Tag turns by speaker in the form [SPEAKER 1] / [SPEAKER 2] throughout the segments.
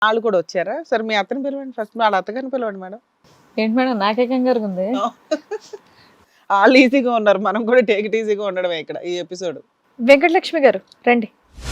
[SPEAKER 1] వాళ్ళు కూడా వచ్చారా? సరే మీ అత్తని పిలవండి ఫస్ట్, వాళ్ళ అత్తగారిని పిలవండి మేడం.
[SPEAKER 2] ఏంటి మేడం నాకే కంగారు ఉంది.
[SPEAKER 1] వాళ్ళు ఈజీగా ఉన్నారు, మనం కూడా టేక్ ఇట్ ఈజీగా ఉండడమే ఇక్కడ ఈ ఎపిసోడ్.
[SPEAKER 2] వెంకటలక్ష్మి గారు రండి.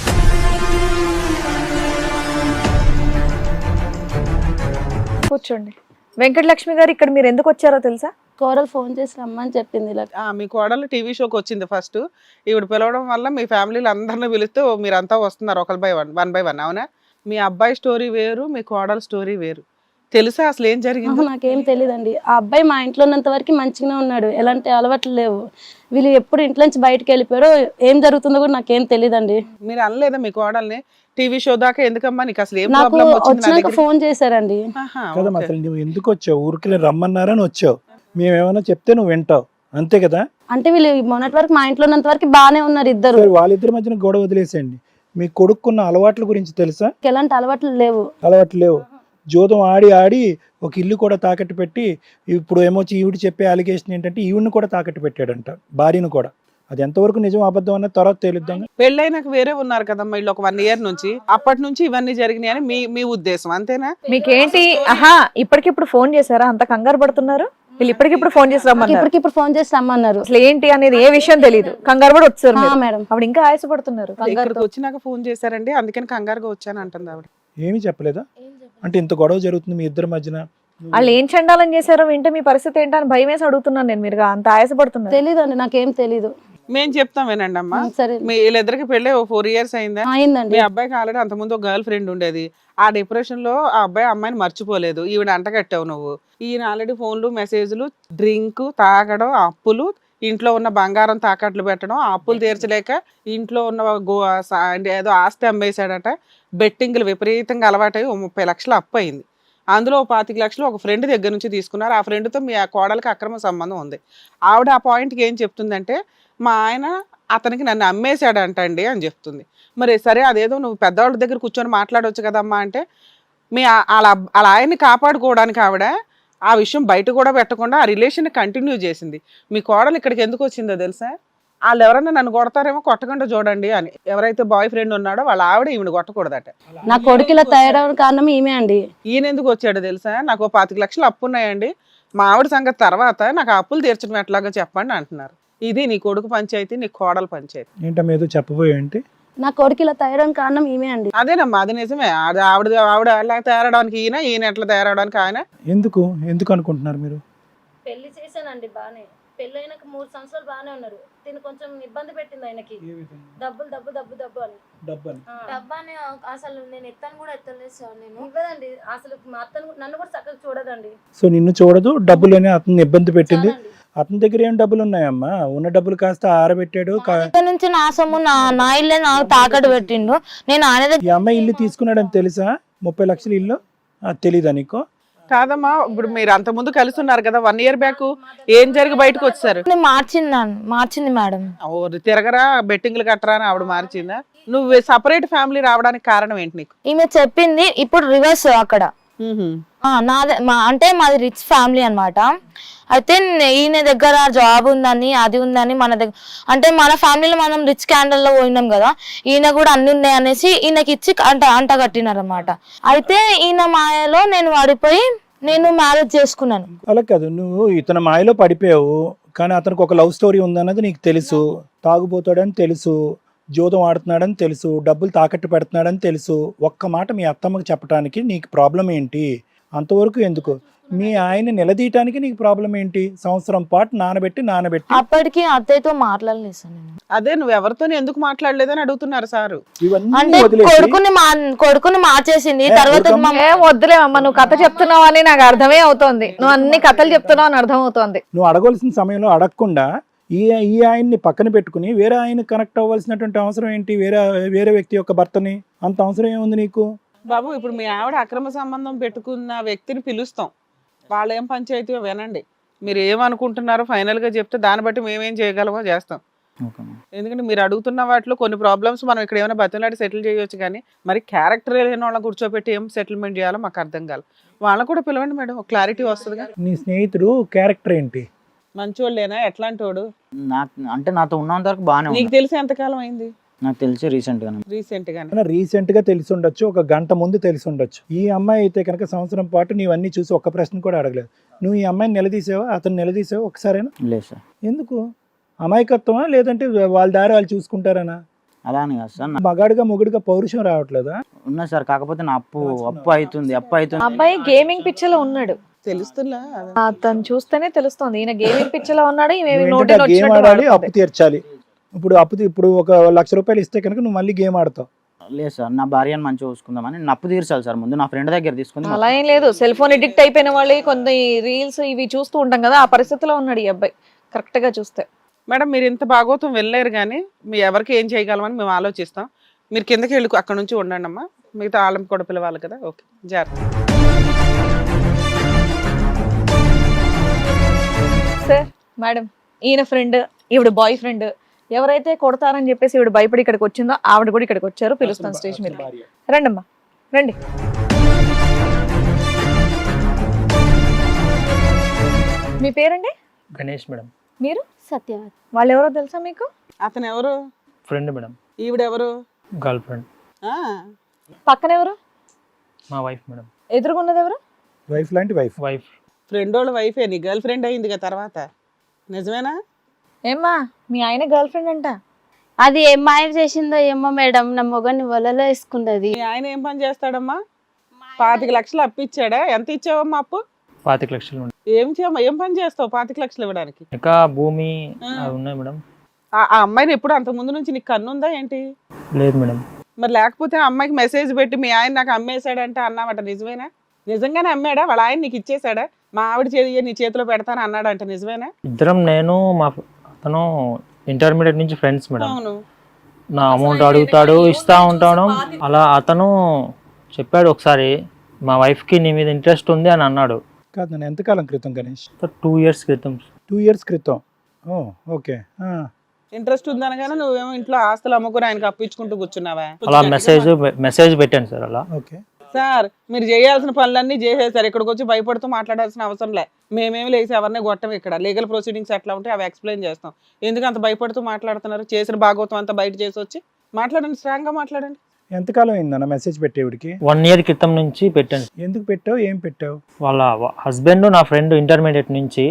[SPEAKER 2] కూర్చోండి. వెంకటలక్ష్మి గారు ఇక్కడ మీరు ఎందుకు వచ్చారో తెలుసా?
[SPEAKER 3] కోడలు ఫోన్ చేసి రమ్మని చెప్పింది ఇలా.
[SPEAKER 1] మీ కోడలు టీవీ షోకి వచ్చింది ఫస్ట్, ఈవిడ పిలవడం వల్ల మీ ఫ్యామిలీలో అందరిని పిలిస్తే మీరంతా వస్తున్నారు ఒకరి బై వన్ బై వన్. అవునా? మీ అబ్బాయి స్టోరీ వేరు, మీ కోడల స్టోరీ వేరు. తెలుసా అసలు ఏం జరిగింది?
[SPEAKER 3] నాకేం తెలియదండి. ఆ అబ్బాయి మా ఇంట్లో ఉన్నంత వరకు మంచిగానే ఉన్నాడు, ఎలాంటి అలవాట్లు లేవు. వీళ్ళు ఎప్పుడు ఇంట్లో నుంచి బయటకు వెళ్ళిపోయారో ఏం జరుగుతుందో కూడా నాకేం తెలియదండి.
[SPEAKER 1] మీరు అనలేదా మీ కోడల్ని టీవీ షో దాకా ఎందుకమ్మా, నీకు అసలు ఏం
[SPEAKER 3] నాకు
[SPEAKER 1] ప్రాబ్లం వచ్చింది?
[SPEAKER 3] వచ్చినాక ఫోన్ చేశారండి.
[SPEAKER 4] కదా అసలు నువ్వు ఎందుకు వచ్చావు? ఊరికి రమ్మన్నారని వచ్చావు, మేమేమైనా చెప్తే నువ్వు వింటావు అంతే కదా.
[SPEAKER 3] అంటే వీళ్ళు మొన్నటి వరకు మా ఇంట్లో ఉన్నంత వరకు బాగానే ఉన్నారు ఇద్దరు.
[SPEAKER 4] వాళ్ళిద్దరి మధ్యన గొడవ వదిలేసేయండి. మీ కొడుకున్న అలవాట్ల గురించి తెలుసా?
[SPEAKER 3] ఎలాంటి అలవాట్లు లేవు.
[SPEAKER 4] అలవాట్లు లేవు. జోదం ఆడి ఆడి ఒక ఇల్లు కూడా తాకట్టు పెట్టి, ఇప్పుడు ఏమొచ్చి ఈవిడ చెప్పే అలిగేషన్ ఏంటంటే ఈవిడిని కూడా తాకట్టు పెట్టాడంట, భార్యను కూడా. అది ఎంతవరకు నిజం అబద్ధం అన్న తర్వాత తేలుద్దాం.
[SPEAKER 1] పెళ్ళైనాక వేరే ఉన్నారు కదమ్మా వీళ్ళు ఒక 1 ఇయర్ నుంచి, అప్పటి నుంచి ఇవన్నీ జరిగినాయి అని మీ ఉద్దేశం అంతేనా?
[SPEAKER 2] మీకేంటి? ఆహా, ఇప్పటికిప్పుడు ఫోన్ చేశారా? అంత కంగారు పడుతున్నారు? వీళ్ళు ఇప్పటికిప్పుడు ఫోన్ చేసి రమ్మన్నారు.
[SPEAKER 3] ఇప్పటికిప్పుడు ఫోన్ చేసి రమ్మన్నారు.
[SPEAKER 2] అసలు ఏంటి అనేది ఏ విషయం తెలియదు, కంగారు పడి వచ్చారు
[SPEAKER 3] మేడం.
[SPEAKER 2] అప్పుడు ఇంకా ఆయాసపడుతున్నారు.
[SPEAKER 1] ఇక్కడికి వచ్చినాక ఫోన్ చేశారండి, అందుకని కంగారుగా వచ్చాను అంటుంది ఆవిడ.
[SPEAKER 4] ఏమీ చెప్పలేదా? అంటే ఇంత గొడవ జరుగుతుంది మీ ఇద్దరి మధ్యన,
[SPEAKER 2] వాళ్ళు ఏం చండాలని చేశారో వింటే మీ పరిస్థితి ఏంటని భయం వేసి అడుగుతున్నాను నేను. మీరు అంత ఆయాసపడుతున్నారు.
[SPEAKER 3] తెలీదండి, నాకేం తెలీదు.
[SPEAKER 1] మేము చెప్తాం వినండి అమ్మా.
[SPEAKER 3] సరే,
[SPEAKER 1] మీ వీళ్ళిద్దరికి పెళ్ళి 4 ఇయర్స్ అయిందా?
[SPEAKER 3] అయిందండి.
[SPEAKER 1] మీ అబ్బాయికి ఆల్రెడీ అంతకుముందు ఒక గర్ల్ ఫ్రెండ్ ఉండేది. ఆ డిప్రెషన్ లో ఆ అబ్బాయి అమ్మాయిని మర్చిపోలేదు, ఈవిడ అంటగట్టావు నువ్వు. ఈయన ఆల్రెడీ ఫోన్లు, మెసేజ్లు, డ్రింక్, తాగడం, అప్పులు, ఇంట్లో ఉన్న బంగారం తాకట్లు పెట్టడం, ఆ అప్పులు తీర్చలేక ఇంట్లో ఉన్న ఏదో ఆస్తి అమ్మేశాడట. బెట్టింగ్లు విపరీతంగా అలవాటై 30 లక్షలు అప్పు అయింది. అందులో 25 లక్షలు ఒక ఫ్రెండ్ దగ్గర నుంచి తీసుకున్నారు. ఆ ఫ్రెండ్తో మీ కోడలికి అక్రమ సంబంధం ఉంది. ఆవిడ ఆ పాయింట్కి ఏం చెప్తుందంటే, మా ఆయన అతనికి నన్ను అమ్మేశాడంటండి అని చెప్తుంది. మరి సరే అదేదో నువ్వు పెద్దవాళ్ళ దగ్గర కూర్చొని మాట్లాడవచ్చు కదమ్మా అంటే, వాళ్ళ ఆయన్ని కాపాడుకోవడానికి ఆవిడ ఆ విషయం బయట కూడా పెట్టకుండా ఆ రిలేషన్ కంటిన్యూ చేసింది. మీ కోడలు ఇక్కడికి ఎందుకు వచ్చిందో తెలుసా? వాళ్ళు ఎవరన్నా నన్ను కొడతారేమో, కొట్టకుండా చూడండి అని. ఎవరైతే బాయ్ ఫ్రెండ్ ఉన్నాడో వాళ్ళ ఆవిడ ఈవిడ కొట్టకూడదట.
[SPEAKER 3] నా కొడుకు ఇలా తయారవడం కారణం ఈమె అండి.
[SPEAKER 1] ఈయన ఎందుకు వచ్చాడో తెలుసా? నాకు 25 లక్షలు అప్పు ఉన్నాయండి, మా ఆవిడ సంగతి తర్వాత నాకు ఆ అప్పులు తీర్చడం ఎట్లాగో చెప్పండి అంటున్నారు. ఇది నీ కొడుకు పంచాయతీ, నీ కోడల పంచాయతీ.
[SPEAKER 4] ఏంటమ్మా ఏదో చెప్పబోయేంటి?
[SPEAKER 3] నా కొడుకు ఇలా తయారవడం కారణం ఈమె అండి.
[SPEAKER 1] అదేనమ్మా, అది నిజమే. ఆవిడ ఎలా తయారవడానికి ఈయన ఎట్లా తయారవడానికి ఆయన.
[SPEAKER 4] ఎందుకు అనుకుంటున్నారు మీరు?
[SPEAKER 3] పెళ్లి చేశానండి బానే, పెళ్ళైనాక 3 సంవత్సరాలు బానే ఉన్నారు. తిని కొంచెం ఇబ్బంది పెట్టింది ఆయనకి. డబ్బులు డబ్బు డబ్బు డబ్బు అని.
[SPEAKER 5] డబ్బాని అసలు నేను ఎత్తాను కూడా ఎత్తలేదు సార్. నేను
[SPEAKER 3] ఇవ్వదండి అసలు. మా అత్తను నన్ను కూడా చక్కగా చూడదండి.
[SPEAKER 4] సో నిన్ను చూడదు, డబ్బులని అతన్ని ఇబ్బంది పెట్టింది. అతని దగ్గర ఏం డబ్బులు ఉన్నాయమ్మా? ఉన్న డబ్బులు కాస్త ఆరబెట్టాడు.
[SPEAKER 5] నుంచి నా సొమ్ము నా ఇల్లే నాకు తాకట్టు పెట్టిండు. నేను ఆయన
[SPEAKER 4] ఈ అమ్మాయి ఇల్లు తీసుకున్నాడని తెలుసా? 30 లక్షల ఇల్లు తెలీదా నీకు?
[SPEAKER 1] కాదమ్మా, ఇప్పుడు మీరు అంత ముందు కలిసి ఉన్నారు కదా 1 ఇయర్ బ్యాక్, ఏం జరిగి బయటకు వచ్చారు?
[SPEAKER 5] మార్చింది మేడం.
[SPEAKER 1] తిరగరా, బెట్టింగ్లు కట్టరా అని ఆవిడ మార్చిందా? నువ్వు సపరేట్ ఫ్యామిలీ రావడానికి కారణం ఏంటి నీకు?
[SPEAKER 5] ఈమె చెప్పింది ఇప్పుడు రివర్స్ అక్కడ. అంటే మాది రిచ్ ఫ్యామిలీ అన్నమాట. అయితే ఈయన దగ్గర జాబ్ ఉందని, అది ఉందని, మన దగ్గర అంటే మన ఫ్యామిలీలో మనం రిచ్ క్యాండల్ లో పోయినాం కదా, ఈయన కూడా అన్ని ఉన్నాయి అనేసి ఈయనకి ఇచ్చి అంట కట్టినారు అనమాట. అయితే ఈయన మాయలో నేను పడిపోయి నేను మ్యారేజ్ చేసుకున్నాను.
[SPEAKER 4] అలా కాదు, నువ్వు ఇతని మాయలో పడిపోయావు, కానీ అతనికి ఒక లవ్ స్టోరీ ఉందన్నది నీకు తెలుసు. తాగుబోతాడని తెలుసు, జోదం ఆడుతున్నాడని తెలుసు, డబ్బులు తాకట్టు పెడుతున్నాడని తెలుసు. ఒక్క మాట మీ అత్తమ్మకి చెప్పడానికి నీకు ప్రాబ్లం ఏంటి? అంతవరకు ఎందుకు? మీ ఆయన నిలదీయటానికి నీకు ప్రాబ్లం ఏంటి? సంవత్సరం పాటు నానబెట్టి
[SPEAKER 5] అప్పటికి అత్తయ్యతో మాట్లాడలేదు సార్ నేను.
[SPEAKER 1] అదే నువ్వు ఎవరితో ఎందుకు మాట్లాడలేదని అడుగుతున్నారు సారు.
[SPEAKER 5] అంటే కొడుకుని మార్చేసింది తర్వాత.
[SPEAKER 2] వద్దులేమమ్మా, నువ్వు కథ చెప్తున్నావు అని నాకు అర్థమే అవుతోంది. నువ్వు అన్ని కథలు చెప్తున్నావు అని అర్థం అవుతోంది.
[SPEAKER 4] నువ్వు అడగవలసిన సమయంలో అడగకుండా ఈ ఆయన్ని పక్కన పెట్టుకుని వేరే ఆయన కనెక్ట్ అవ్వాల్సినటువంటి అవసరం ఏంటి? వేరే వ్యక్తి యొక్క భర్తని అంత అవసరం ఏముంది నీకు?
[SPEAKER 1] బాబు, ఇప్పుడు మీ ఆవిడ అక్రమ సంబంధం పెట్టుకున్న వ్యక్తిని పిలుస్తాం, వాళ్ళు ఏం పంచాయతీ వినండి, మీరు ఏమనుకుంటున్నారో ఫైనల్ గా చెప్తే దాన్ని బట్టి మేమేం చేయగలమో చేస్తాం. ఎందుకంటే మీరు అడుగుతున్న వాటిలో కొన్ని ప్రాబ్లమ్స్ మనం ఇక్కడ ఏమైనా బతిలాడి సెటిల్ చేయొచ్చు, కానీ మరి క్యారెక్టర్ లేని వాళ్ళని కూర్చోబెట్టి ఏం సెటిల్మెంట్ చేయాలో మాకు అర్థం కాదు. వాళ్ళని కూడా పిలవండి మేడం, క్లారిటీ వస్తుంది.
[SPEAKER 4] నీ స్నేహితుడు క్యారెక్టర్ ఏంటి?
[SPEAKER 1] మంచోళ్ళేనా? ఎట్లాంటి వాడు?
[SPEAKER 6] అంటే నాతో ఉన్నంత వరకు బాగానే.
[SPEAKER 1] నీకు తెలిసి ఎంతకాలం అయింది?
[SPEAKER 6] నాకు తెలిసి రీసెంట్ గానే
[SPEAKER 1] రీసెంట్ గానే
[SPEAKER 4] రీసెంట్ గా తెలిసి ఉండొచ్చు, ఒక గంట ముందు తెలిసి ఉండొచ్చు. ఈ అమ్మాయి అయితే కనుక సంవత్సరం పాటు నీవన్నీ చూసి ఒక్క ప్రశ్న కూడా అడగలేదు. నువ్వు ఈ అమ్మాయిని నిలదీసావా, అతను నిలదీసావా ఒకసారైనా?
[SPEAKER 6] లేదు సార్.
[SPEAKER 4] ఎందుకు? అమాయకత్వమా లేదంటే వాళ్ళ దారి వాళ్ళు చూసుకుంటారనా?
[SPEAKER 6] అలా అని కాదు సార్.
[SPEAKER 4] మగాడుగా మొగుడుగా పౌరుషం రావట్లేదా?
[SPEAKER 6] ఉన్నా సార్, కాకపోతే నా అప్పు అవుతుంది.
[SPEAKER 2] అబ్బాయి గేమింగ్ పిక్చర్ లో ఉన్నాడు.
[SPEAKER 1] తెలుస్తుందా?
[SPEAKER 2] అతను చూస్తేనే తెలుస్తుంది ఈయన గేమింగ్ పిక్చర్ లో ఉన్నాడు.
[SPEAKER 4] నువ్వేంటంటే ఆ గేమ్ ఆడాలి, అప్పు తీర్చాలి. ఇప్పుడు ఒక ₹1,00,000 ఇస్తే కనుక నువ్వు మళ్ళీ గేమ్ ఆడతావు.
[SPEAKER 6] లేదు సార్, నా భార్యను మంచిగా చూసుకుందామని నేను అప్పు తీర్చాలి సార్. ముందు నా ఫ్రెండ్ దగ్గర తీసుకుంది.
[SPEAKER 2] అలా ఏం లేదు. సెల్ ఫోన్ ఎడిక్ట్ అయిపోయిన వాళ్ళు కొన్ని రీల్స్ ఇవి చూస్తూ ఉంటాం కదా, ఆ పరిస్థితిలో ఉన్నాడు ఈ అబ్బాయి కరెక్ట్ గా చూస్తే.
[SPEAKER 1] మేడం మీరు ఇంత భాగవతం వెళ్ళలేరు కానీ మీ ఎవరికి ఏం చేయగలమని మేము ఆలోచిస్తాం. మీరు కిందకి వెళ్ళి అక్కడ నుంచి ఉండండి అమ్మా, మిగతా వాళ్ళని కూడా పిలవాలి కదా. ఓకే, జాగ్రత్త.
[SPEAKER 2] సార్ మేడం, ఈయన ఫ్రెండ్, ఈవిడ బాయ్ ఫ్రెండ్, ఎవరైతే కొడతారని చెప్పేసి ఈవిడ భయపడి ఇక్కడికి వచ్చిందో ఆవిడ కూడా ఇక్కడికి వచ్చారు. పిలుస్తాను స్టేజ్ మీద. రండి అమ్మా, రండి. మీ పేరండి?
[SPEAKER 7] గణేష్ మేడం.
[SPEAKER 2] మీరు?
[SPEAKER 3] సత్యవతి.
[SPEAKER 2] వాళ్ళు ఎవరో తెలుసా మీకు?
[SPEAKER 1] అతను ఎవరు?
[SPEAKER 7] Friend madam.
[SPEAKER 1] ఈవిడెవరు?
[SPEAKER 7] Girl friend.
[SPEAKER 1] ఆ,
[SPEAKER 2] పక్కన ఎవరు?
[SPEAKER 7] మా వైఫ్ మేడం.
[SPEAKER 2] ఎదురుగున్నది ఎవరు?
[SPEAKER 4] వైఫ్ లాంటి వైఫ్.
[SPEAKER 7] వైఫ్.
[SPEAKER 1] ఫ్రెండ్ వాళ్ళ వైఫే నీ గర్ల్ ఫ్రెండ్ అయింది కదా తర్వాత, నిజమేనా?
[SPEAKER 2] ఏమ్మా మీ ఆయన గర్ల్ ఫ్రెండ్ అంట.
[SPEAKER 3] అది ఏం మాయ చేసిందో ఏమో మేడం, నా మొగని వలలో వేసుకున్నది.
[SPEAKER 1] మీ ఆయన ఏం పని చేస్తాడమ్మా? 25 లక్షలు అప్పు ఇచ్చాడా? ఎంత ఇచ్చావమ్మా అప్పు?
[SPEAKER 7] 25 లక్షలు మేడం.
[SPEAKER 1] ఏం పని చేస్తావు 25 లక్షలు ఇవ్వడానికి?
[SPEAKER 7] ఇంకా భూమి అవి ఉన్నాయి మేడం.
[SPEAKER 1] ఆ అమ్మాయిని ఎప్పుడు అంత ముందు నుంచి నీకు కన్ను ఉందా ఏంటి?
[SPEAKER 7] లేదు మేడం.
[SPEAKER 1] మరి లేకపోతే ఆ అమ్మాయికి మెసేజ్ పెట్టి మీ ఆయన నాకు అమ్మేశాడంటే అన్నావట, నిజమేనా? నిజంగానే అమ్మాడా? వాళ్ళ ఆయన నీకు ఇచ్చేసాడా? మా ఆవిడ చేయి నీ చేతిలో పెడతాను అన్నాడంట, నిజమేనా?
[SPEAKER 7] ఇద్దరం నేను అతను ఇంటర్మీడియట్ నుంచి ఫ్రెండ్స్ మేడం.
[SPEAKER 1] అవును.
[SPEAKER 7] నా అమౌంట్ అడుగుతాడు, ఇస్తా ఉంటాడు. అలా అతను చెప్పాడు ఒకసారి మా వైఫ్ కి నీ మీద ఇంట్రెస్ట్ ఉంది అని అన్నాడు.
[SPEAKER 4] కాదు, నన్ను ఎంతకాలం క్రితం గణేష్?
[SPEAKER 7] 2 years క్రితం.
[SPEAKER 4] 2 years క్రితం. ఓ ఓకే.
[SPEAKER 1] ఇంట్రెస్ట్ ఉందనగానే నువ్వేమో ఇంట్లో ఆస్తులు అమ్ముకుని ఆయనకి అప్పించుకుంటూ కూర్చున్నావా?
[SPEAKER 7] అలా మెసేజ్ పెట్టాను సార్. అలా
[SPEAKER 4] ఓకే
[SPEAKER 1] సార్, మీరు చేయాల్సిన పనులన్నీ చేసేసారు. ఇక్కడికి వచ్చి భయపడుతూ మాట్లాడాల్సిన అవసరం లే. మేమేమి లేసి ఎవరిని కొట్టం. ఇక్కడ లీగల్ ప్రొసీడింగ్స్ ఎట్లా ఉంటాయి అవి ఎక్స్ప్లెయిన్ చేస్తాం. ఎందుకు అంత భయపడుతూ మాట్లాడుతున్నారు? చేసిన భాగవతం అంతా బయట చేసి వచ్చి మాట్లాడండి, స్ట్రాంగ్ గా మాట్లాడండి.
[SPEAKER 4] ఎంతకాలం అయిందన్న మెసేజ్ పెట్టేవిడికి?
[SPEAKER 7] 1 year క్రితం నుంచి పెట్టాను.
[SPEAKER 4] ఎందుకు పెట్టావు? ఏం పెట్టావు?
[SPEAKER 7] వాళ్ళ హస్బెండ్ నా ఫ్రెండ్ ఇంటర్మీడియట్ నుంచి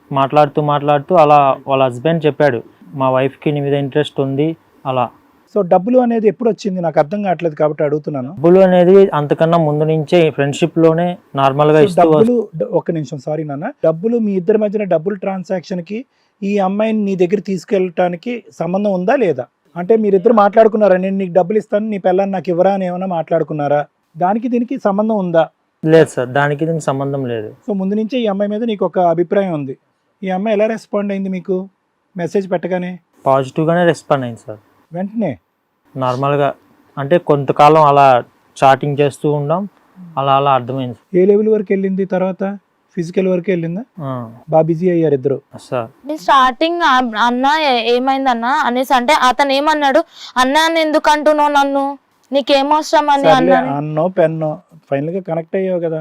[SPEAKER 7] మాట్లాడుతూ అలా వాళ్ళ హస్బెండ్ చెప్పాడు మా వైఫ్ కి నీ మీద ఇంట్రెస్ట్ ఉంది అలా.
[SPEAKER 4] సో డబ్బులు అనేది ఎప్పుడు వచ్చింది? నాకు అర్థం కావట్లేదు కాబట్టి అడుగుతున్నాను.
[SPEAKER 7] డబ్బులు అనేది అంతకన్నా ముందు నుంచే ఫ్రెండ్షిప్ లోనే నార్మల్ గా ఇస్తూ.
[SPEAKER 4] డబ్బులు, ఒక్క నిమిషం, సారీ నాన్న. డబ్బులు మీ ఇద్దరి మధ్యన డబ్బులు ట్రాన్సాక్షన్ కి ఈ అమ్మాయిని నీ దగ్గర తీసుకెళ్ళటానికి సంబంధం ఉందా లేదా? అంటే మీరిద్దరు మాట్లాడుకున్నారా, నేను నీకు డబ్బులు ఇస్తాను నీ పిల్లని నాకు ఇవ్వరా అని ఏమైనా మాట్లాడుకున్నారా? దానికి దీనికి సంబంధం ఉందా?
[SPEAKER 7] లేదు సార్, దానికి దీనికి సంబంధం లేదు.
[SPEAKER 4] సో ముందు నుంచే ఈ అమ్మాయి మీద నీకు ఒక అభిప్రాయం ఉంది. ఈ అమ్మాయి ఎలా రెస్పాండ్ అయింది మీకు మెసేజ్ పెట్టగానే?
[SPEAKER 7] పాజిటివ్ గానే రెస్పాండ్ అయింది సార్.
[SPEAKER 4] వెంటనే
[SPEAKER 7] నార్మల్ గా అంటే కొంతకాలం అలా చాటింగ్ చేస్తూ ఉండాం. అలా అర్థమైంది
[SPEAKER 4] ఏ లెవెల్ వరకు వెళ్ళింది? తర్వాత ఫిజికల్ వరకు వెళ్ళిందా? బాగా బిజీ అయ్యారు ఇద్దరు
[SPEAKER 7] సార్.
[SPEAKER 5] స్టార్టింగ్ అన్న ఏమైందన్న అనేసి అంటే అతను ఏమన్నాడు, అన్న ఎందుకు అంటున్నావు నన్ను, నీకేమవసరం అని అన్నాను.
[SPEAKER 4] అన్నో పెన్నో ఫైనల్ గా కనెక్ట్ అయ్యావు కదా.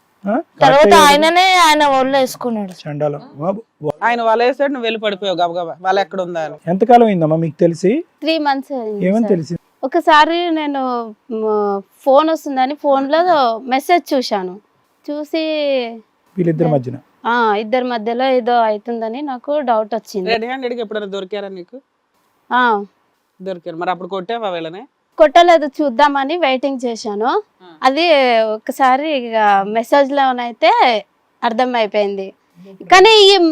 [SPEAKER 5] తర్వాత ఆయన ఒళ్ళు వేసుకున్నాడు.
[SPEAKER 4] చండాలం.
[SPEAKER 1] ఆయన వలేసాడు, నువ్వు వెళ్ళి పడిపోయావు గబగబా. వాళ్ళు ఎక్కడ ఉందా అని.
[SPEAKER 4] ఎంతకాలం అయిందమ్మా మీకు తెలిసి?
[SPEAKER 3] 3 months
[SPEAKER 4] ఏమని తెలిసింది?
[SPEAKER 3] ఒకసారి నేను ఫోన్ వస్తుందని ఫోన్ లో మెసేజ్ చూశాను. చూసి
[SPEAKER 4] వీళ్ళిద్దరి మధ్యన
[SPEAKER 3] ఇద్దరి మధ్యలో ఏదో అవుతుందని నాకు డౌట్ వచ్చింది.
[SPEAKER 1] రెడ్ హ్యాండెడ్ గా ఎప్పుడైనా దొరికారా నీకు? దొరికారు. మరి అప్పుడు కొట్టావా వీళ్ళని?
[SPEAKER 3] కొట్టలేదు, చూద్దామని వెయిటింగ్ చేశాను. అది ఒకసారి ఇక మెసేజ్ లోనైతే అర్థం అయిపోయింది. కానీ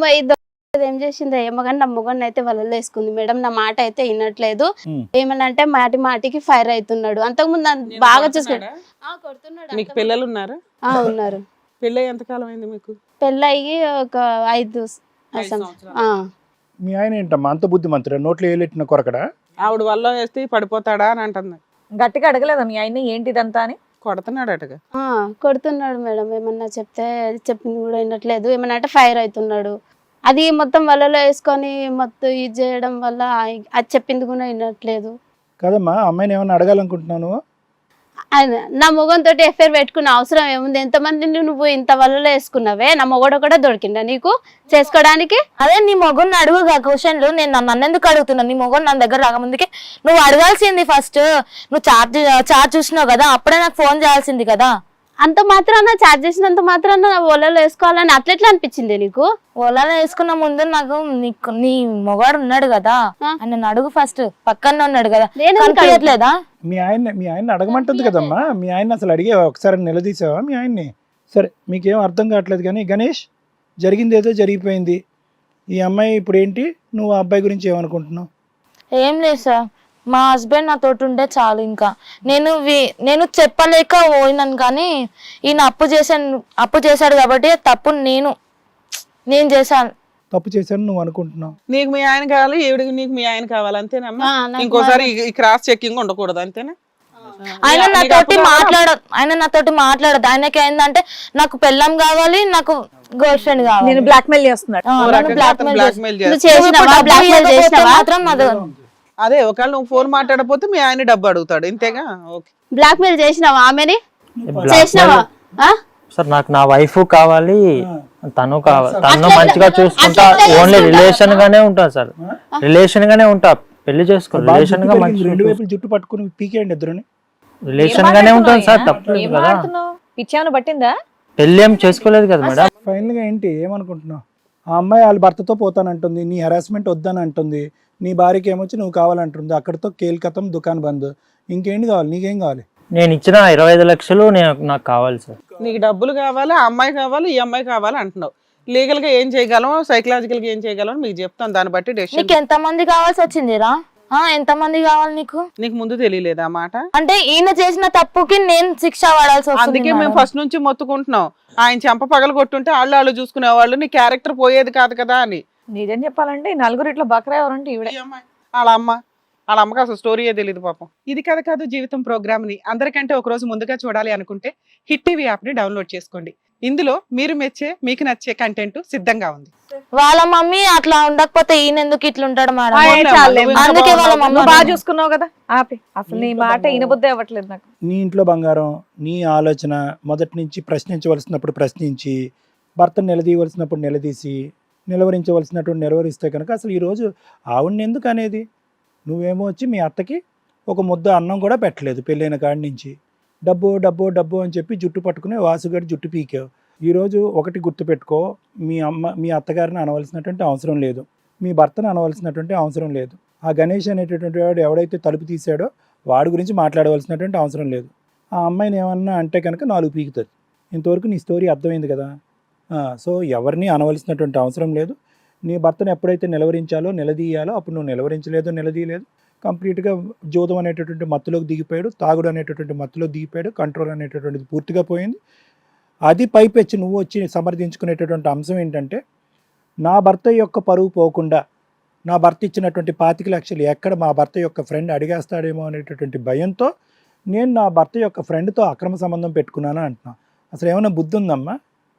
[SPEAKER 3] ఏం చేసిందో ఏమో కానీ నా మొగన్ అయితే వలలో వేసుకుంది మేడం. నా మాట అయితే వినట్లేదు. ఏమనంటే మాటికి ఫైర్ అవుతున్నాడు. అంతకుముందు బాగా చూసుకున్నాడు.
[SPEAKER 1] మీకు పిల్లలు ఉన్నారా?
[SPEAKER 3] ఉన్నారు.
[SPEAKER 1] పెళ్ళి ఎంతకాలం అయింది మీకు?
[SPEAKER 3] పెళ్ళయి ఒక 5 సంవత్సరాలు.
[SPEAKER 4] మీ ఆయన ఏంటమ్మా అంత బుద్ధిమంతుడా? నోట్లో ఏలెట్టిన కొరకడా?
[SPEAKER 1] ఆవిడ వల్ల వేస్తే పడిపోతాడా అని అంటుంది.
[SPEAKER 2] గట్టిగా అడగలేదా మీ ఆయన ఏంటిదంతా అని?
[SPEAKER 1] కొడుతున్నాడు అటగా.
[SPEAKER 3] కొడుతున్నాడు మేడం. ఏమన్నా చెప్పింది కూడా వినట్లేదు. ఏమన్నా అంటే ఫైర్ అవుతున్నాడు. అది మొత్తం వలలో వేసుకొని మొత్తం ఇది చేయడం వల్ల అది చెప్పింది కూడా వినట్లేదు.
[SPEAKER 4] కదమ్మా, అమ్మాయిని ఏమన్నా అడగాలనుకుంటున్నావు?
[SPEAKER 3] ఆయన నా మొగంతో ఎఫ్ఐఆర్ పెట్టుకున్న అవసరం ఏముంది? ఎంతమందిని నువ్వు ఇంత వలలో వేసుకున్నావే? నా మొగడు కూడా దొరికిందా నీకు చేసుకోవడానికి?
[SPEAKER 5] అదే నీ మొగన్ అడుగుగా క్వశ్చన్లు. నేను నన్ను ఎందుకు అడుగుతున్నా? నీ మొగన్ నా దగ్గర రాకముందుకే నువ్వు అడగాల్సింది. ఫస్ట్ నువ్వు చార్జ్ చూసినావు కదా, అప్పుడే నాకు ఫోన్ చేయాల్సింది కదా.
[SPEAKER 3] అంత మాత్రాన చార్జ్ చేసినంత మాత్రాన నా ఒలలో వేసుకోవాలని అట్లెట్లా అనిపించింది నీకు?
[SPEAKER 5] ఓలాలో వేసుకున్న ముందు నాకు నీ మొగాడు ఉన్నాడు కదా, ఆయన అడుగు ఫస్ట్. పక్కన ఉన్నాడు కదా,
[SPEAKER 3] నేను
[SPEAKER 5] కనిపించట్లేదా?
[SPEAKER 4] మీ ఆయన అడగమంటుంది కదమ్మా. మీ ఆయన అసలు అడిగే ఒకసారి నిలదీసావా మీ ఆయన్ని? సరే మీకేం అర్థం కావట్లేదు కానీ గణేష్, జరిగింది ఏదో జరిగిపోయింది. ఈ అమ్మాయి ఇప్పుడు ఏంటి, నువ్వు ఆ అబ్బాయి గురించి ఏమనుకుంటున్నావు?
[SPEAKER 5] ఏం లేదు సార్, మా హస్బెండ్ నాతో ఉంటే చాలు. ఇంకా నేను చెప్పలేక పోయినాను, కానీ ఈయన అప్పు చేశాడు కాబట్టి తప్పు నేను చేశాను.
[SPEAKER 4] తప్పు చేశాను నువ్వు అనుకుంటున్నావు?
[SPEAKER 1] నీకు మీ ఆయన కావాలి, ఈవిడికి నీకు మీ ఆయన కావాలి, అంతేనమ్మా?
[SPEAKER 3] నాకు
[SPEAKER 1] ఇంకోసారి ఈ క్రాస్ చెకింగ్ ఉండకూడదు, అంతేనా?
[SPEAKER 5] ఆయన నాతోటి మాట్లాడదు. ఆయనకి ఏంటంటే నాకు పెళ్ళం కావాలి, నాకు గర్ల్ ఫ్రెండ్ కావాలి.
[SPEAKER 2] నేను బ్లాక్మెయిల్ చేస్తున్నాడు.
[SPEAKER 1] ఓ రకంగా అతను blackmail
[SPEAKER 3] నువ్వు
[SPEAKER 1] చేస్తాడు.
[SPEAKER 3] చేసినావా? బ్లాక్మెయిల్ చేసినావా?
[SPEAKER 5] మాత్రం అది
[SPEAKER 1] అదే ఒకవేళ నువ్వు ఫోన్ మాట్లాడకపోతే మీ ఆయన డబ్బు అడుగుతాడు, ఇంతేగా? ఓకే.
[SPEAKER 3] బ్లాక్మెయిల్ చేసినావా ఆమెని? చేసినావా?
[SPEAKER 7] సార్ నాకు నా వైఫ్ కావాలి, తను కావాలి, తను
[SPEAKER 3] అట్లా
[SPEAKER 7] మంచిగా చూసుకుంటా.
[SPEAKER 3] అట్లా
[SPEAKER 7] ఓన్లీ
[SPEAKER 3] చేసుకుంటా.
[SPEAKER 7] రిలేషన్ గానే ఉంటా సార్, రిలేషన్ గానే ఉంటా. పెళ్లి చేసుకో, రిలేషన్ గా మంచి
[SPEAKER 4] రెండు వైపులు జుట్టు పట్టుకుని పీకేయండి ఇద్దరుని.
[SPEAKER 7] రిలేషన్ గానే ఉంటాను సార్, తప్పలేదు కదా.
[SPEAKER 2] పిచ్చాను పట్టిందా?
[SPEAKER 7] పెళ్లి ఏం చేసుకోలేదు కదా మేడం.
[SPEAKER 4] ఫైనల్ గా ఏంటి ఏమనుకుంటున్నావు? ఆ అమ్మాయి వాళ్ళ భర్తతో పోతానంటుంది, నీ హెరాస్మెంట్ వద్దని అంటుంది, నీ భార్యకి ఏమొచ్చి నువ్వు కావాలంటుంది. అక్కడితో కేల్కతం దుకాణం బంద్. ఇంకేంటి కావాలి? నీకేం కావాలి?
[SPEAKER 7] నేను ఇచ్చిన 25 లక్షలు నాకు కావాలి సార్.
[SPEAKER 1] నీకు డబ్బులు కావాలి, ఆ అమ్మాయి కావాలి, ఈ అమ్మాయి కావాలి అంటున్నావు. లీగల్ గా ఏం చేయగలం, సైకలాజికల్ గా ఏం చేయగలం మీకు చెప్తాను, దాన్ని బట్టి డెసిషన్.
[SPEAKER 5] నీకు ఎంత మంది కావాల్సి వచ్చిందిరా? ఎంత మంది కావాలి నీకు?
[SPEAKER 1] నీకు ముందు తెలియలేదు ఆ మాట?
[SPEAKER 5] అంటే ఈయన చేసిన తప్పుకి నేను శిక్ష పడాల్సి వస్తుంది.
[SPEAKER 1] అందుకే మేము ఫస్ట్ నుంచి మొత్తుకుంటున్నాం, ఆయన చెంప పగలు కొట్టుంటే వాళ్ళు చూసుకునేవాళ్ళు, నీ క్యారెక్టర్ పోయేది కాదు కదా అని.
[SPEAKER 2] నిజం చెప్పాలంటే ఈ నలుగురు ఇట్లా బకరా ఎవరంటే ఈవిడే.
[SPEAKER 1] ఈ అమ్మాయి వాళ్ళ అమ్మకి అసలు స్టోరీయే తెలియదు పాపం. ఇది కథ కాదు జీవితం ప్రోగ్రామ్ ని అందరికంటే ఒక రోజు ముందుగా చూడాలి అనుకుంటే హిట్ టీవీ యాప్ ని డౌన్లోడ్ చేసుకోండి. ఇందులో మీరు మెచ్చే, మీకు నచ్చే కంటెంట్ సిద్ధంగా ఉంది.
[SPEAKER 5] వాళ్ళ మమ్మీ అట్లా ఉండకపోతే ఈయన ఎందుకు ఇట్లా ఉంటాడు మేడం?
[SPEAKER 2] అందుకే వాళ్ళ మమ్మీ బాగా చూసుకున్నావు కదా, ఆపి. అసలు నీ మాట ఈనబుద్ధి అవ్వట్లేదు నాకు.
[SPEAKER 4] నీ ఇంట్లో బంగారం, నీ ఆలోచన మొదటి నుంచి ప్రశ్నించవలసినప్పుడు ప్రశ్నించి, భర్తను నిలదీయవలసినప్పుడు నిలదీసి, నిలవరించవలసినటువంటి నెరవేరిస్తే కనుక అసలు ఈరోజు ఆవిడని ఎందుకు అనేది? నువ్వేమో వచ్చి మీ అత్తకి ఒక ముద్ద అన్నం కూడా పెట్టలేదు పెళ్ళైన కాడి నుంచి. డబ్బు డబ్బు డబ్బు అని చెప్పి జుట్టు పట్టుకుని వాసుగాడి జుట్టు పీకావు. ఈరోజు ఒకటి గుర్తుపెట్టుకో, మీ అత్తగారిని అనవలసినటువంటి అవసరం లేదు, మీ భర్తను అనవలసినటువంటి అవసరం లేదు. ఆ గణేష్ అనేటటువంటి వాడు ఎవడైతే తలుపు తీసాడో వాడి గురించి మాట్లాడవలసినటువంటి అవసరం లేదు. ఆ అమ్మాయిని ఏమన్నా అంటే కనుక 4 పీకుతుంది. ఇంతవరకు నీ స్టోరీ అర్థమైంది కదా. సో ఎవరిని అనవలసినటువంటి అవసరం లేదు. నీ భర్తను ఎప్పుడైతే నిలవరించాలో నిలదీయాలో అప్పుడు నువ్వు నిలవరించలేదు, నిలదీయలేదు. కంప్లీట్గా జోదం అనేటటువంటి మత్తులోకి దిగిపోయాడు, తాగుడు అనేటటువంటి మత్తులోకి దిగిపోయాడు, కంట్రోల్ అనేటటువంటిది పూర్తిగా పోయింది. అది పైపెచ్చి నువ్వు వచ్చి సమర్థించుకునేటటువంటి అంశం ఏంటంటే, నా భర్త యొక్క పరువు పోకుండా, నా భర్త ఇచ్చినటువంటి 25 లక్షలు ఎక్కడ మా భర్త యొక్క ఫ్రెండ్ అడిగేస్తాడేమో అనేటటువంటి భయంతో నేను నా భర్త యొక్క ఫ్రెండ్తో అక్రమ సంబంధం పెట్టుకున్నాను అంటున్నా. అసలు ఏమైనా బుద్ధి ఉందమ్మా?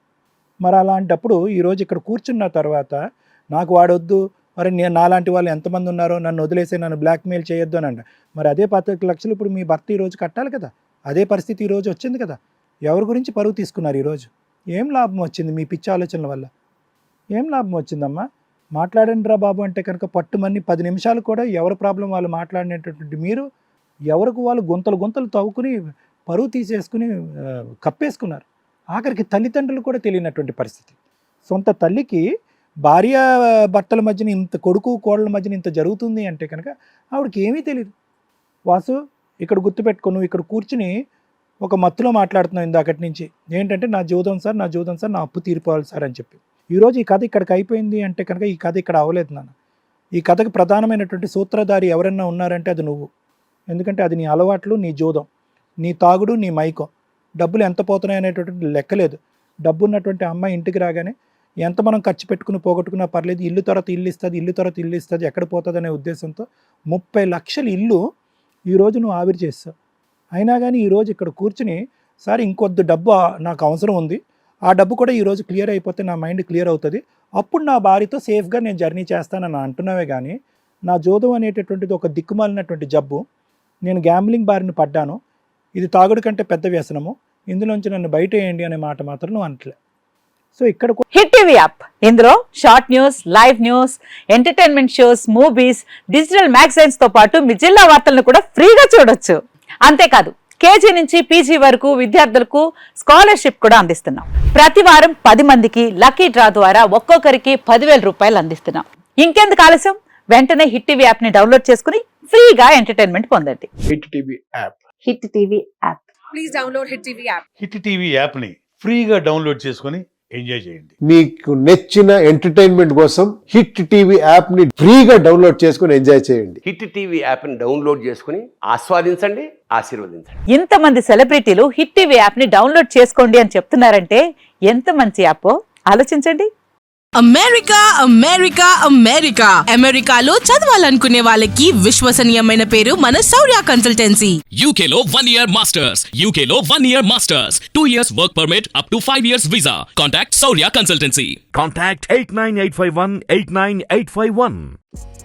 [SPEAKER 4] మరి అలాంటప్పుడు ఈరోజు ఇక్కడ కూర్చున్న తర్వాత నాకు వాడొద్దు, మరి నేను నాలాంటి వాళ్ళు ఎంతమంది ఉన్నారో, నన్ను వదిలేసి నన్ను బ్లాక్మెయిల్ చేయొద్దు అని అంట. మరి అదే 25 లక్షలు ఇప్పుడు మీ భర్త ఈరోజు కట్టాలి కదా. అదే పరిస్థితి ఈరోజు వచ్చింది కదా. ఎవరి గురించి పరువు తీసుకున్నారు ఈరోజు? ఏం లాభం వచ్చింది మీ పిచ్చి ఆలోచనల వల్ల? ఏం లాభం వచ్చిందమ్మా? మాట్లాడండి రా బాబు అంటే కనుక పట్టుమని 10 నిమిషాలు కూడా ఎవరి ప్రాబ్లం వాళ్ళు మాట్లాడినటువంటి మీరు ఎవరికి వాళ్ళు గుంతలు తవ్వుకుని పరువు తీసేసుకుని కప్పేసుకున్నారు. ఆఖరికి తల్లిదండ్రులు కూడా తెలియనటువంటి పరిస్థితి. సొంత తల్లికి భార్య భర్తల మధ్యన ఇంత, కొడుకు కోడల మధ్యన ఇంత జరుగుతుంది అంటే కనుక ఆవిడకి ఏమీ తెలియదు. వాసు ఇక్కడ గుర్తుపెట్టుకో, నువ్వు ఇక్కడ కూర్చుని ఒక మత్తులో మాట్లాడుతున్నావు ఇందాకటి నుంచి. ఏంటంటే నా జీవితం సార్, నా జీవితం సార్, నా అప్పు తీరిపోవాలి సార్ అని చెప్పి. ఈరోజు ఈ కథ ఇక్కడికి అయిపోయింది అంటే కనుక ఈ కథ ఇక్కడ అవ్వలేదు నాన్న. ఈ కథకు ప్రధానమైనటువంటి సూత్రధారి ఎవరన్నా ఉన్నారంటే అది నువ్వు. ఎందుకంటే అది నీ అలవాట్లు, నీ జోదం, నీ తాగుడు, నీ మైకం. డబ్బులు ఎంత పోతున్నాయి అనేటటువంటి లెక్కలేదు. డబ్బు ఉన్నటువంటి అమ్మాయి ఇంటికి రాగానే ఎంత మనం ఖర్చు పెట్టుకుని పోగొట్టుకున్నా పర్లేదు, ఇల్లు తర్వాత ఇల్లు ఇస్తుంది, ఇల్లు తర్వాత ఇల్లు ఇస్తుంది, ఎక్కడ పోతుంది అనే ఉద్దేశంతో 30 లక్షల ఇల్లు ఈరోజు నువ్వు ఆవిరి చేస్తావు. అయినా కానీ ఈరోజు ఇక్కడ కూర్చుని సార్ ఇంకొద్ది డబ్బు నాకు అవసరం ఉంది, ఆ డబ్బు కూడా ఈరోజు క్లియర్ అయిపోతే నా మైండ్ క్లియర్ అవుతుంది, అప్పుడు నా భార్యతో సేఫ్గా నేను జర్నీ చేస్తానని అంటున్నావే కానీ నా జోదం అనేటటువంటిది ఒక దిక్కుమాలినటువంటి జబ్బు. నేను గ్యాంబ్లింగ్ బారిన పడ్డాను, ఇది తాగుడు కంటే పెద్ద వ్యసనము, ఇందులోంచి నన్ను బయట వేయండి అనే మాట మాత్రం నువ్వు అనట్లే. సో ఇక్కడ
[SPEAKER 8] హిట్ టీవీ యాప్, ఇందులో short news, live news, entertainment shows, movies, digital magazines తో పాటు మీ జిల్లా వార్తలను కూడా ఫ్రీగా చూడొచ్చు. అంతేకాదు కేజీ నుంచి పీజీ వరకు విద్యార్థులకు స్కాలర్షిప్ కూడా అందిస్తున్నాం. ప్రతి వారం 10 మందికి లక్కీ డ్రా ద్వారా ఒక్కొక్కరికి 10,000 రూపాయలు అందిస్తున్నాం. ఇంకెందుకు ఆలస్యం, వెంటనే హిట్ టీవీ యాప్ ని డౌన్లోడ్ చేసుకుని ఫ్రీగా ఎంటర్టైన్మెంట్ పొందండి.
[SPEAKER 9] Hit TV app.
[SPEAKER 8] Hit TV app.
[SPEAKER 2] Please download hit TV app.
[SPEAKER 10] Hit TV యాప్ని ఫ్రీగా డౌన్లోడ్ చేసుకొని ఎంజాయ్ చేయండి.
[SPEAKER 9] మీకు నచ్చిన ఎంటర్టైన్మెంట్ కోసం హిట్ టీవీ యాప్ ని ఫ్రీగా డౌన్లోడ్ చేసుకుని ఎంజాయ్ చేయండి.
[SPEAKER 11] హిట్ టీవీ యాప్ ని డౌన్లోడ్ చేసుకుని ఆస్వాదించండి, ఆశీర్వదించండి.
[SPEAKER 8] ఇంతమంది సెలబ్రిటీలు హిట్ టీవీ యాప్ ని డౌన్లోడ్ చేసుకోండి అని చెప్తున్నారంటే ఎంత మంచి యాప్ ఆలోచించండి.
[SPEAKER 12] అమెరికా అమెరికా అమెరికా అమెరికాలో చదవాలనుకునే వాళ్ళకి విశ్వసనీయమైన పేరు మన శౌర్య కన్సల్టెన్సీ.
[SPEAKER 13] UK లో 1 year masters, UK లో 1 year masters, 2 years work permit up to 5 years visa. Contact Saurya Consultancy.
[SPEAKER 14] Contact 89851 89851.